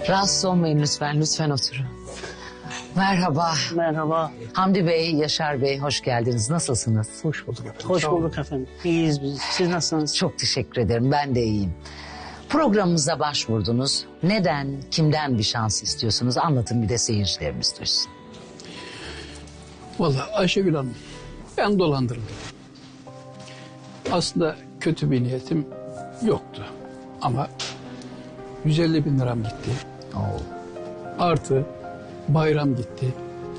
Rahatsız olmayın lütfen, lütfen oturun. Merhaba. Merhaba. Hamdi Bey, Yaşar Bey, hoş geldiniz. Nasılsınız? Hoş bulduk efendim. Hoş bulduk efendim. İyiyiz biz. Siz nasılsınız? Çok teşekkür ederim, ben de iyiyim. Programımıza başvurdunuz. Neden, kimden bir şans istiyorsunuz? Anlatın, bir de seyircilerimiz duysun. Vallahi Ayşegül Hanım, ben dolandırıldım. Aslında kötü bir niyetim yoktu. Ama 150 bin liram gitti. Artı bayram gitti.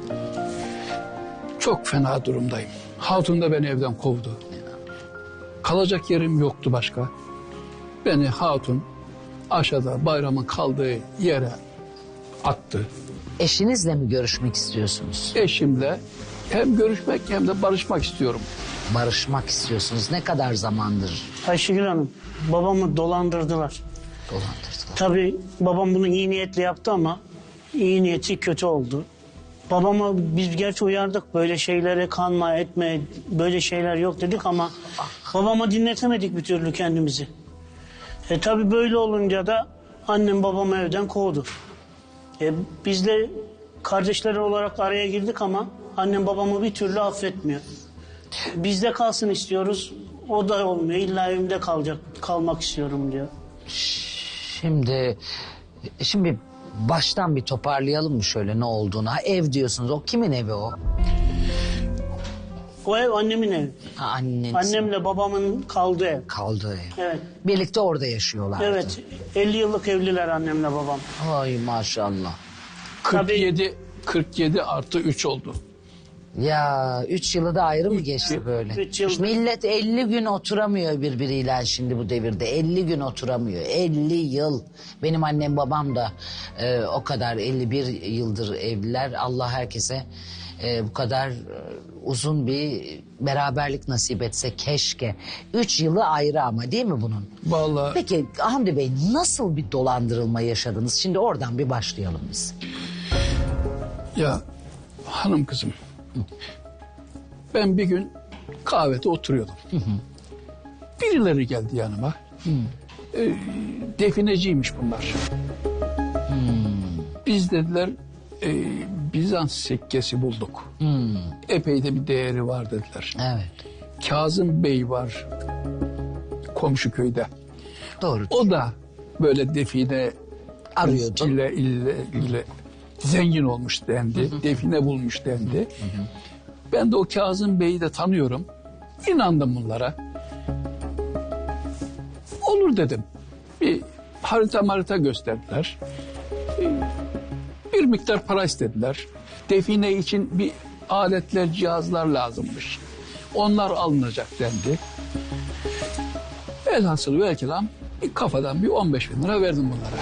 Çok fena durumdayım. Hatun da beni evden kovdu. Kalacak yerim yoktu başka. Beni hatun aşağıda bayramın kaldığı yere attı. Eşinizle mi görüşmek istiyorsunuz? Eşimle hem görüşmek hem de barışmak istiyorum. Barışmak istiyorsunuz. Ne kadar zamandır Ayşegül Hanım, babamı dolandırdılar. dolandırdılar? Tabii babam bunu iyi niyetle yaptı ama iyi niyeti kötü oldu. Babama biz gerçi uyardık, böyle şeylere kanma etme, böyle şeyler yok dedik ama babama dinletemedik bir türlü kendimizi. Tabii böyle olunca da annem babamı evden kovdu. Biz de kardeşler olarak araya girdik ama annem babamı bir türlü affetmiyor. Bizde kalsın istiyoruz, o da olmuyor. İlla evimde kalmak istiyorum diyor. Şimdi baştan bir toparlayalım mı şöyle ne olduğunu? Ha, ev diyorsunuz, o kimin evi o? O ev annemin evi. Ha, anneniz. Annemle babamın kaldığı ev. Kaldığı ev. Evet. Birlikte orada yaşıyorlardı. Evet, 50 yıllık evliler annemle babam. Ay maşallah. 47 artı 3 oldu. Ya 3 yılı da ayrı mı geçti böyle? 3 yıl. Millet 50 gün oturamıyor birbiriyle şimdi bu devirde. 50 gün oturamıyor. 50 yıl. Benim annem babam da o kadar 51 yıldır evliler. Allah herkese bu kadar uzun bir beraberlik nasip etse keşke. 3 yılı ayrı ama değil mi bunun? Vallahi Peki Hamdi Bey, nasıl bir dolandırılma yaşadınız? Şimdi oradan bir başlayalım biz. ya hanım kızım, ben bir gün kahvede oturuyordum. Birileri geldi yanıma. Defineciymiş bunlar. Biz dediler Bizans sikkesi bulduk. Epey de bir değeri var dediler. Evet. Kazım Bey var komşu köyde. Doğru. O da böyle define Arıyordu. ile zengin olmuş dendi. Define bulmuş dendi. Ben de o Kazım Bey'i de tanıyorum. İnandım bunlara. Olur dedim. Bir harita gösterdiler. Bir miktar para istediler. Define için bir aletler, cihazlar lazımmış. Onlar alınacak dendi. Elhasıl ve kelam bir kafadan bir 15 bin lira verdim bunlara.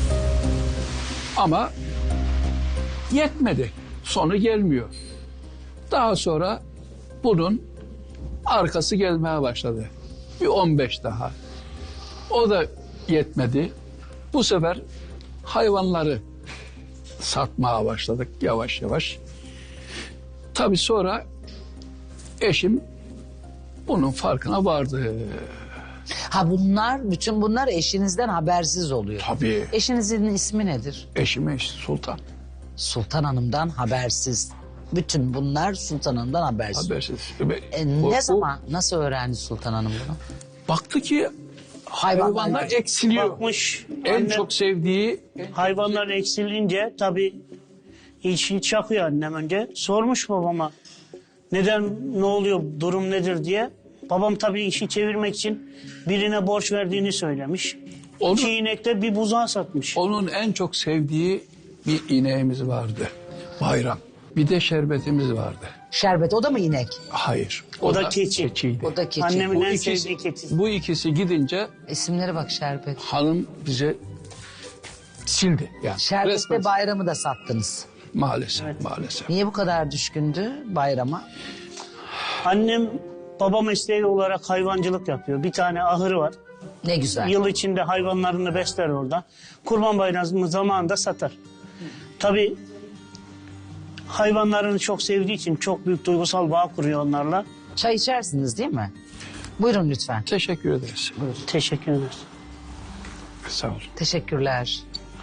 Ama yetmedi. Sonu gelmiyor. Daha sonra bunun arkası gelmeye başladı. Bir 15 daha. O da yetmedi. Bu sefer hayvanları satmaya başladık yavaş yavaş. Tabii sonra eşim bunun farkına vardı. Ha, bütün bunlar eşinizden habersiz oluyor. Tabii. Eşinizin ismi nedir? Eşim Sultan. Sultan Hanım'dan habersiz. Bütün bunlar Sultan Hanım'dan habersiz. Habersiz. Ne zaman, nasıl öğrendi Sultan Hanım bunu? Baktı ki hayvanlar eksiliyor. Bakmış, En annem çok sevdiği hayvanlar eksilince tabii işi çakıyor annem önce. Sormuş babama neden, ne oluyor, durum nedir diye. Babam tabii işi çevirmek için birine borç verdiğini söylemiş. Onu- 2 inekte bir buzağı satmış. onun en çok sevdiği bir ineğimiz vardı. Bayram. Bir de şerbetimiz vardı. Şerbet, o da mı inek? Hayır. O da keçi. keçiydi. O da keçi. Annemin Bu en ikisi, sevdiği keçi. bu ikisi gidince İsimlere bak, Şerbet. hanım bize sildi. Yani Şerbet'te resmen. bayramı da sattınız. Maalesef. Niye bu kadar düşkündü bayrama? Annem baba mesleği olarak hayvancılık yapıyor. Bir tane ahırı var. Ne güzel. Yıl içinde hayvanlarını besler orada. Kurban Bayramı zamanında satar. Tabii hayvanlarını çok sevdiği için çok büyük duygusal bağ kuruyor onlarla. Çay içersiniz değil mi? Buyurun lütfen. Teşekkür ederiz. Teşekkür ederiz. Sağ olun. Teşekkürler.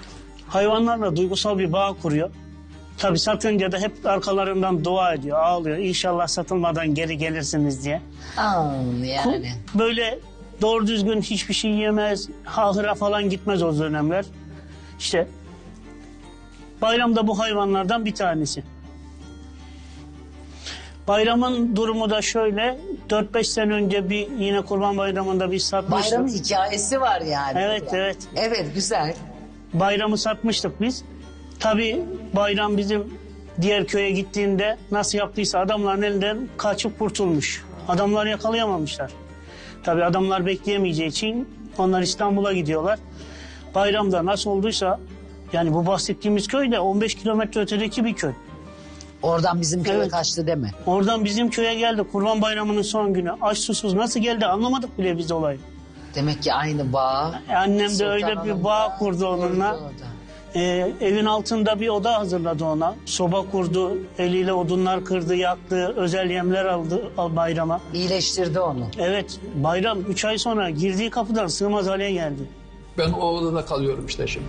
hayvanlarla duygusal bir bağ kuruyor. Tabii satınca da hep arkalarından dua ediyor, ağlıyor. İnşallah satılmadan geri gelirsiniz diye. Yani. Böyle doğru düzgün hiçbir şey yemez, ahıra falan gitmez o dönemler. İşte Bayram da bu hayvanlardan bir tanesi. Bayramın durumu da şöyle, 4-5 sene önce yine Kurban Bayramı'nda bir satmıştık. Bayramın hikayesi var yani. Evet, evet. Evet, güzel. Bayramı satmıştık biz. Tabii Bayram bizim diğer köye gittiğinde nasıl yaptıysa adamların elinden kaçıp kurtulmuş. Adamlar yakalayamamışlar. Tabii adamlar bekleyemeyeceği için onlar İstanbul'a gidiyorlar. Bayramda nasıl olduysa, yani bu bahsettiğimiz köy de 15 kilometre ötedeki bir köy. Oradan bizim köye Evet. kaçtı deme. Oradan bizim köye geldi Kurban Bayramı'nın son günü. Aç susuz nasıl geldi anlamadık bile biz olayı. Demek ki aynı bağ. Annem de Sultan öyle bir Hanım bağ da kurdu onunla. kurdu o da. Evin altında bir oda hazırladı ona. Soba kurdu, eliyle odunlar kırdı, yaktı, özel yemler aldı Bayram'a. İyileştirdi onu. Evet, Bayram 3 ay sonra girdiği kapıdan sığmaz hale geldi. Ben o odada kalıyorum işte şimdi.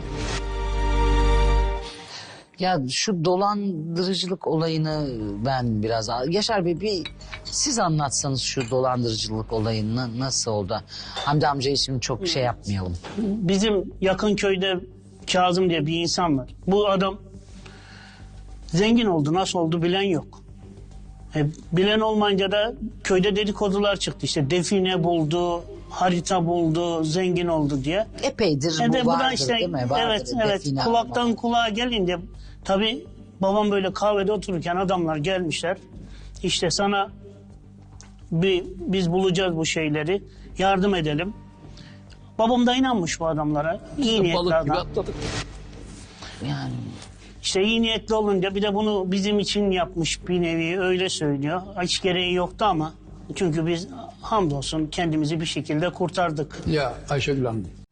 Ya şu dolandırıcılık olayını ben biraz... Yaşar Bey siz anlatsanız şu dolandırıcılık olayını nasıl oldu? Hamdi amcayı şimdi çok şey yapmayalım. Bizim yakın köyde Kazım diye bir insan var. Bu adam zengin oldu, nasıl oldu bilen yok. Bilen olmayınca da köyde dedikodular çıktı. İşte define buldu, harita buldu, zengin oldu diye. Epeydir Bu da vardır işte, değil mi? Vardır, evet, define kulaktan almak. kulağa gelince tabii babam böyle kahvede otururken adamlar gelmişler. İşte sana biz bulacağız bu şeyleri, yardım edelim. Babam da inanmış bu adamlara. İyi niyetli Balık gibi adam. atladık. Yani İşte iyi niyetli olunca bir de bunu bizim için yapmış bir nevi, öyle söylüyor. Hiç gereği yoktu ama çünkü biz hamdolsun kendimizi bir şekilde kurtardık. Ya Ayşegül Hanım,